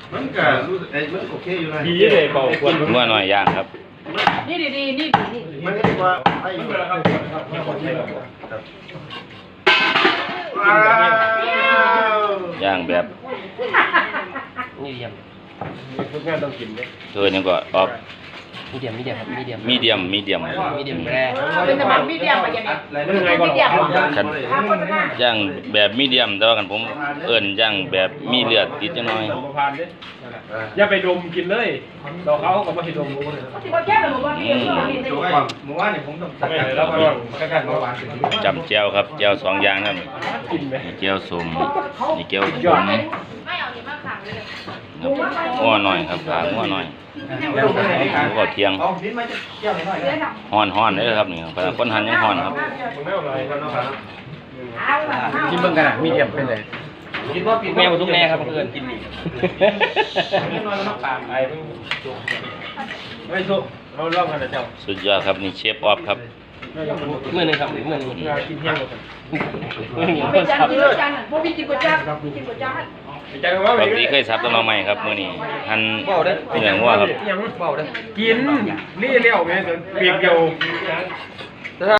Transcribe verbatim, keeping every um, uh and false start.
มันก็รู้ไอ้มันโอเคอยู่นะดีเลยเบาควรงัวหน่อยย่างครับนี่ดีดีนี่ดีนี่มันเรียกว่าไอ้ว้าวย่างแบบมีเดียมทุกงานต้องกินเนี่ยเธอยังก็ออกมีเดียมมีเดียมมีเดียมมีเดียมมีเดียมมีเดียมแร่เป็นสมัครมีเดียมไปยังไงมันยังไงก่อนฉันย่างแบบมีเดียมแต่ว่ากันผมเอิ้นย่างแบบมีเลือดติดจังหน่อยประพานดิอย่าไปดมกินเลยเราเขาก็ไม่ให้ดมรู้เลยที่ว่าแก้หรือว่าพี่เพื่อนนี่เมื่อวานเนี่ยผมต้องไม่แล้วก็แค่แค่เมื่อวานจำแจ่วครับแจ่วสองอย่างครับกินไหมนี่แจ่วส้มนี่แจ่วขมไม่เอานี่มาขังเลยงัวหน่อยครับขางัวหน่อยผมก็เที่ยงเอาดิ้นมาจะเกี่ยวหน่อยเดี๋ยวทฮ้อนฮ้อนเลยครับนี่ครับคนหันยังฮ้อนครับมึงไม่เอาอะไรเอาละกินเบิ่งกันอ่ะมีเดียมเป็นเลยกินว่าแม่มาทุกแม่ครับเพื่อนกินดีไม่นอนแล้วปากไอ้เพิ่งไม่สุกเราเล่ากันนะเจ้าสุดยอดครับนี่เชฟออฟครับเมื่อนึงครับเมื่อนึงกินเที่ยงกันเมื่อนึงเป็นจานกินจานพวกพี่กินก๋วยจั๊บกินก๋วยจั๊บปกติเคยสับต้นไม้ครับมื้อนี้หั่นเนื้องัวครับยังเบาได้กินนี่เลี้ยวไงเปียกเดียว